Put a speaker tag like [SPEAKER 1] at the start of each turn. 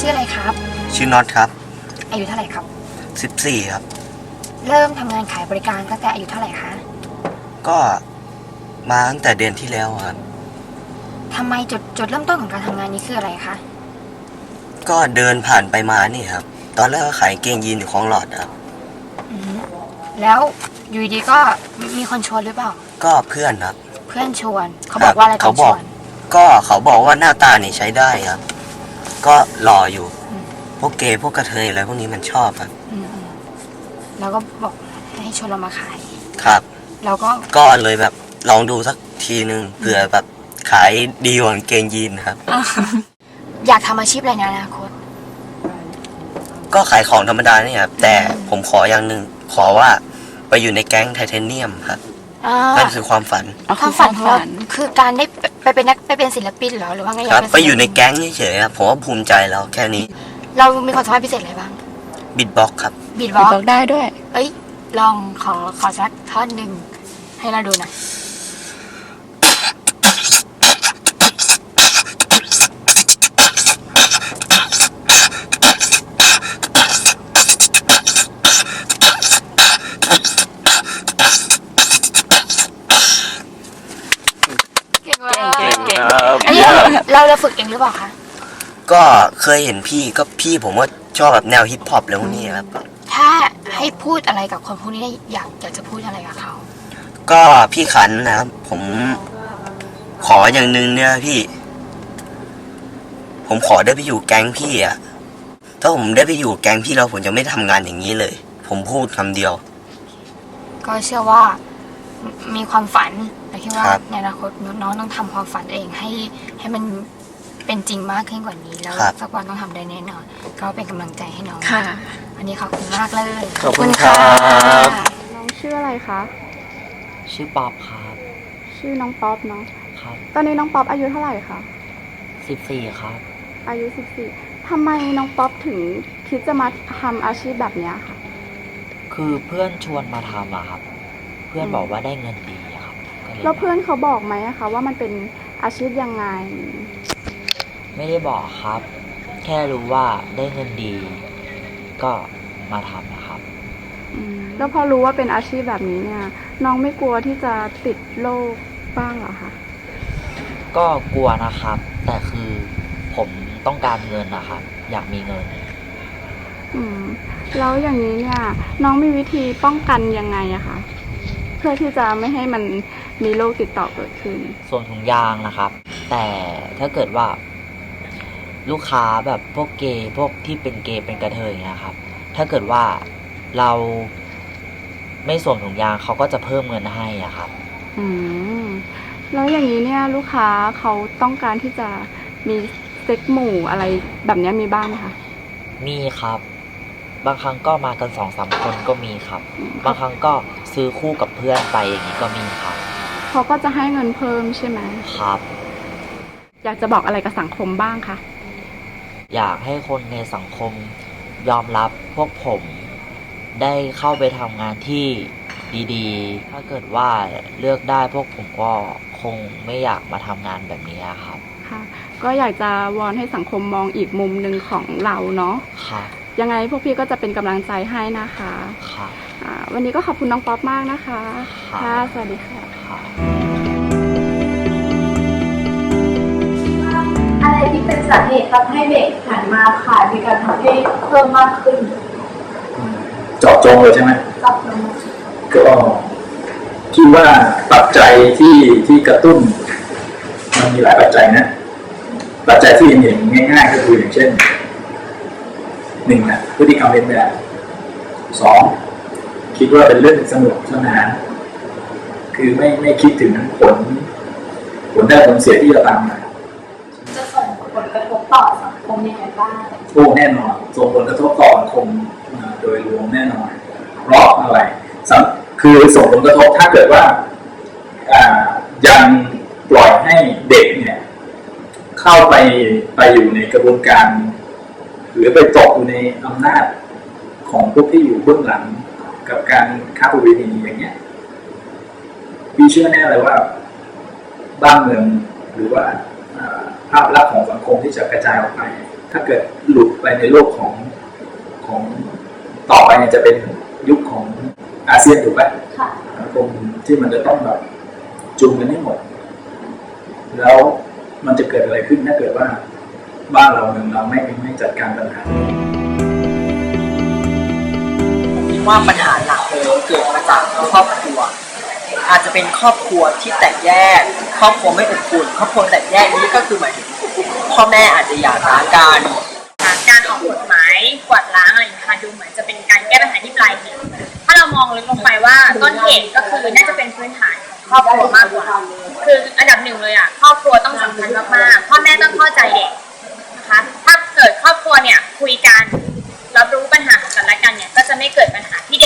[SPEAKER 1] ชื่ออะไรครับ
[SPEAKER 2] ชื่อน็อตครับ
[SPEAKER 1] อายุเท่าไหร่ครับ
[SPEAKER 2] 14ครับ
[SPEAKER 1] เริ่มทำงานขายบริการตั้งแต่อายุเท่าไหร่คะ
[SPEAKER 2] ก็มาตั้งแต่เดือนที่แล้วครับ
[SPEAKER 1] ทำไมจุดเริ่มต้นของการทำงานนี้คืออะไรคะ
[SPEAKER 2] ก็เดินผ่านไปมานี่ครับตอนแรกก็ขายเกงยีนอยู่คลองหลอดครับ
[SPEAKER 1] แล้วอยู่ดีก็มีคนชวนหรือเปล่า
[SPEAKER 2] ก็เพื่อนครับ
[SPEAKER 1] เพื่อนชวนเขาบอกว่าอะไรตอนชวน
[SPEAKER 2] ก็เขาบอกว่าหน้าตานี่ใช้ได้ครับก็หล่ออยู่พวกเกย์พวกกระเทยอะไรพวกนี้มันชอบครับ
[SPEAKER 1] แล้วก็บอกให้ชวนเรามาขาย
[SPEAKER 2] ครับ
[SPEAKER 1] เรา
[SPEAKER 2] ก็เลยแบบลองดูสักทีนึงเผื่อแบบขายดีกว่าเกงยีนครับ
[SPEAKER 1] อยากทำอาชีพอะไรในอนาคต
[SPEAKER 2] ก็ขายของธรรมดานี่ครับแต่ผมขออย่างหนึ่งขอว่าไปอยู่ในแก๊งไทเทเนียมครับนั่นคือความฝัน
[SPEAKER 1] ของเราคือการได้ไปเป็นศิลปินเหรอหรือว่าไง
[SPEAKER 2] ครับไปอยู่ในแก๊งเฉยๆครับผมว่าภูมิใจแล้วแค่นี้
[SPEAKER 1] เรามีความสามารถพิเศษอะไรบ้าง
[SPEAKER 2] บิทบ็อกครับ
[SPEAKER 1] บิทบ็อกได้ด้วยเอ้ยลองขอสักท่อนหนึ่งให้เราดูหน่อยเราฝึกเองหรือเปล่าคะ
[SPEAKER 2] ก็เคยเห็นพี่ผมว่าชอบแบบแนวฮิปฮอปแล้วนี่ครับ
[SPEAKER 1] ถ้าให้พูดอะไรกับคนพวกนี้ได้อยากจะพูดอะไรกับเขา
[SPEAKER 2] ก็พี่ขันนะครับผมขออย่างหนึ่งเนี่ยพี่ผมขอได้ไปอยู่แก๊งพี่อะถ้าผมได้ไปอยู่แก๊งพี่แล้วผมจะไม่ทำงานอย่างนี้เลยผมพูดคำเดียว
[SPEAKER 1] ก็เชื่อว่ามีความฝันแต่คิดว่าในอนาคตน้องต้องทำความฝันเองให้มันเป็นจริงมากขึ้นกว่านี้แล้วสักวันต้องทำได้แน่นอนก็เป็นกำลังใจให้น้องค่ะวันนี้ขอบคุณมากเลย
[SPEAKER 2] ขอบคุณค่ะ
[SPEAKER 3] น้องชื่ออะไรคะ
[SPEAKER 4] ชื่อป๊อปครับ
[SPEAKER 3] ชื่อน้องป๊อปเนาะ
[SPEAKER 4] ครับ
[SPEAKER 3] ตอนนี้น้องป๊อปอายุเท่าไหร่คะ
[SPEAKER 4] 14ครับ
[SPEAKER 3] อายุ14ทำไมน้องป๊อปถึงคิดจะมาทำอาชีพแบบนี้ค่ะ
[SPEAKER 4] คือเพื่อนชวนมาทำอะครับเพื่อนบอกว่าได้เงินดีครับ
[SPEAKER 3] แล้วเพื่อนเขาบอกไหมคะว่ามันเป็นอาชีพยังไง
[SPEAKER 4] ไม่ได้บอกครับแค่รู้ว่าได้เงินดี ก็มาทำนะครับ
[SPEAKER 3] แล้วพอรู้ว่าเป็นอาชีพแบบนี้เนี่ยน้องไม่กลัวที่จะติดโรคบ้างเหรอคะ
[SPEAKER 4] ก็กลัวนะครับแต่คือผมต้องการเงินนะครับอยากมีเงิน
[SPEAKER 3] แล้วอย่างนี้เนี่ยน้องมีวิธีป้องกันยังไงอะคะเพื่อที่จะไม่ให้มันมีโรคติดต่อเกิดขึ้น
[SPEAKER 4] ส่วนถุงยางนะครับแต่ถ้าเกิดว่าลูกค้าแบบพวกเกย์พวกที่เป็นเกย์เป็นกระเทยนะครับถ้าเกิดว่าเราไม่สวมถุงยางเขาก็จะเพิ่มเงินให้อ่ะครับ
[SPEAKER 3] แล้วอย่างนี้เนี่ยลูกค้าเขาต้องการที่จะมีเซ็กหมู่อะไรแบบนี้มีบ้างไหมคะ
[SPEAKER 4] มีครับบางครั้งก็มากัน 2-3 คนก็มีครับบางครั้งก็ซื้อคู่กับเพื่อนไปอย่างนี้ก็มีครับ
[SPEAKER 3] เขาก็จะให้เงินเพิ่มใช่ไหม
[SPEAKER 4] ครับ
[SPEAKER 3] อยากจะบอกอะไรกับสังคมบ้างคะ
[SPEAKER 4] อยากให้คนในสังคมยอมรับพวกผมได้เข้าไปทำงานที่ดีๆถ้าเกิดว่าเลือกได้พวกผมก็คงไม่อยากมาทำงานแบบนี้ครับ
[SPEAKER 3] ค่ะก็อยากจะวอนให้สังคมมองอีกมุมหนึ่งของเราเนาะ
[SPEAKER 4] ค่ะ
[SPEAKER 3] ยังไงพวกพี่ก็จะเป็นกำลังใจให้นะคะ
[SPEAKER 4] ค่ะ
[SPEAKER 3] วันนี้ก็ขอบคุณน้องป๊อปมากนะคะค่ะสวัสดีค่ะ
[SPEAKER 5] อะไรที่เป็นสาเหตุทำให้เด็กหันมาขายบริการทางเพศเพิ่มมากขึ้น
[SPEAKER 6] เจาะจงเลยใช่ไหม
[SPEAKER 5] เจาะจง
[SPEAKER 6] ก็คิดว่าปัจจัยที่กระตุ้นมันมีหลายปัจจัยนะปัจจัยที่เห็นง่ายๆก็คืออย่างเช่น1นะพฤติกรรมเลียนแบบ2คิดว่าเป็นเรื่องสนุกสนานคือไม่คิดถึงผลได้ผลเสียที่จะตามมา
[SPEAKER 5] จะส่งผลกระทบต่อสังคมยังไงบ้าง
[SPEAKER 6] โอ้แน่นอนส่งผลกระทบต่อสังคมโดยรวมแน่นอนเพราะอะไรคือส่งผลกระทบถ้าเกิดว่ายังปล่อยให้เด็กเนี่ยเข้าไปอยู่ในกระบวนการหรือไปตกอยู่ในอำนาจของพวกที่อยู่เบื้องหลังกับการค้าประเวณีอย่างเงี้ยพี่เชื่อแน่เลยว่าบ้านเมืองหรือว่าภาพลักษณ์ของสังคมที่จะกระจายออกไปถ้าเกิดหลุดไปในโลกของต่อไปเนี่ยจะเป็นยุคของอาเซียนถูกไหมสังคมที่มันจะต้องแบบจูงกันให้หมดแล้วมันจะเกิดอะไรขึ้นถ้าเกิดว่าบ้านเราเมืองเราไม่จัดการปัญหา
[SPEAKER 7] คิดว่าปัญหาหลักเลยเกิดมาจากครอบครัวอาจจะเป็นครอบครัวที่แตกแยกครอบครัวไม่อบอุ่นครอบครัวแตกแยกนี้ก็คือหมายถึงพ่อแม่อาจจะหย่าร้างกัน
[SPEAKER 1] การออกกฎหมายกวาดล้างอะไรอย่างเงี้ยค่ะดูเหมือนจะเป็นการแก้ปัญหาที่ปลายเหตุถ้าเรามองลึกลงไปว่าต้นเหตุก็คือน่าจะเป็นพื้นฐานของครอบครัวมากกว่าคืออันดับหนึ่งเลยอ่ะครอบครัวต้องสำคัญมากๆพ่อแม่ต้องเข้าใจเด็กนะคะถ้าเกิดครอบครัวเนี่ยคุยกันรับรู้ปัญหาของกันและกันเนี่ยก็จะไม่เกิดปัญหาที่